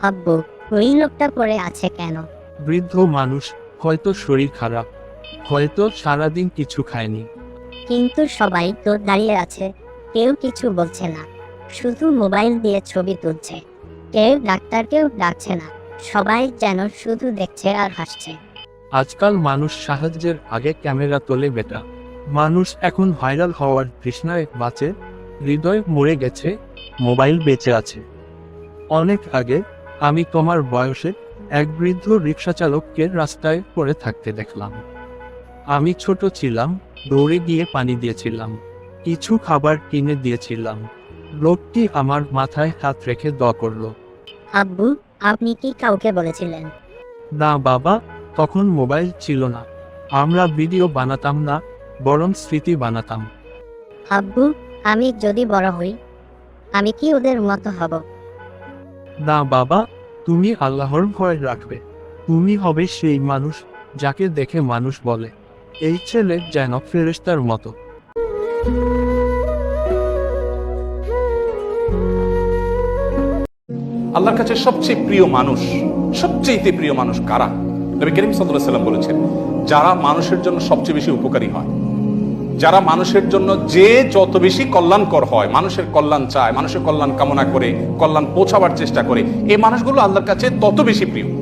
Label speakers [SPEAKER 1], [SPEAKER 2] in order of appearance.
[SPEAKER 1] আব্বু, ওই লোকটা পড়ে আছে কেন?
[SPEAKER 2] বৃদ্ধ মানুষ, হয়তো শরীর খারাপ, হয়তো সারাদিন কিছু খায়নি।
[SPEAKER 1] কিন্তু সবাই তো দাঁড়িয়ে আছে, কেউ কিছু বলছে না, শুধু মোবাইল দিয়ে ছবি তুলছে। কেউ ডাক্তারকেও ডাকছে না, সবাই যেন শুধু দেখছে আর হাসছে।
[SPEAKER 2] আজকাল মানুষ সাহায্যের আগে ক্যামেরা তোলে বেটা। মানুষ এখন ভাইরাল হওয়ার তৃষ্ণায় বাঁচে, হৃদয় মরে গেছে, মোবাইল বেঁচে আছে। অনেক আগে আমি তোমার বয়সে এক বৃদ্ধ রিক্সা চালককে রাস্তায় পড়ে থাকতে দেখলাম। আমি ছোট ছিলাম, দৌড়ে গিয়ে পানি দিয়েছিলাম, কিছু খাবার কিনে দিয়েছিলাম। লোকটি আমার মাথায় হাত রেখে দোয়া করলো।
[SPEAKER 1] আব্বু, আপনি কি কাউকে বলেছিলেন?
[SPEAKER 2] না বাবা, তখন মোবাইল ছিল না, আমরা ভিডিও বানাতাম না, বরং স্মৃতি বানাতাম।
[SPEAKER 1] আব্বু, আমি যদি বড় হই, আমি কি ওদের মতো হব?
[SPEAKER 2] না বাবা, তুমি আল্লাহর ভয় রাখবে। তুমি হবে সেই মানুষ যাকে দেখে মানুষ বলে, এই ছেলে যেন ফেরেশতার মতো।
[SPEAKER 3] আল্লাহর কাছে সবচেয়ে প্রিয় মানুষ, সবচেয়ে প্রিয় মানুষ কারা? নবী করিম সাল্লাল্লাহু আলাইহি ওয়াসাল্লাম বলেছেন, যারা মানুষের জন্য সবচেয়ে বেশি উপকারী হয়, যারা মানুষের জন্য যে যত বেশি কল্যাণকর হয়, মানুষের কল্যাণ চায়, মানুষের কল্যাণ কামনা করে, কল্যাণ পৌঁছাবার চেষ্টা করে, এই মানুষগুলো আল্লাহর কাছে তত বেশি প্রিয়।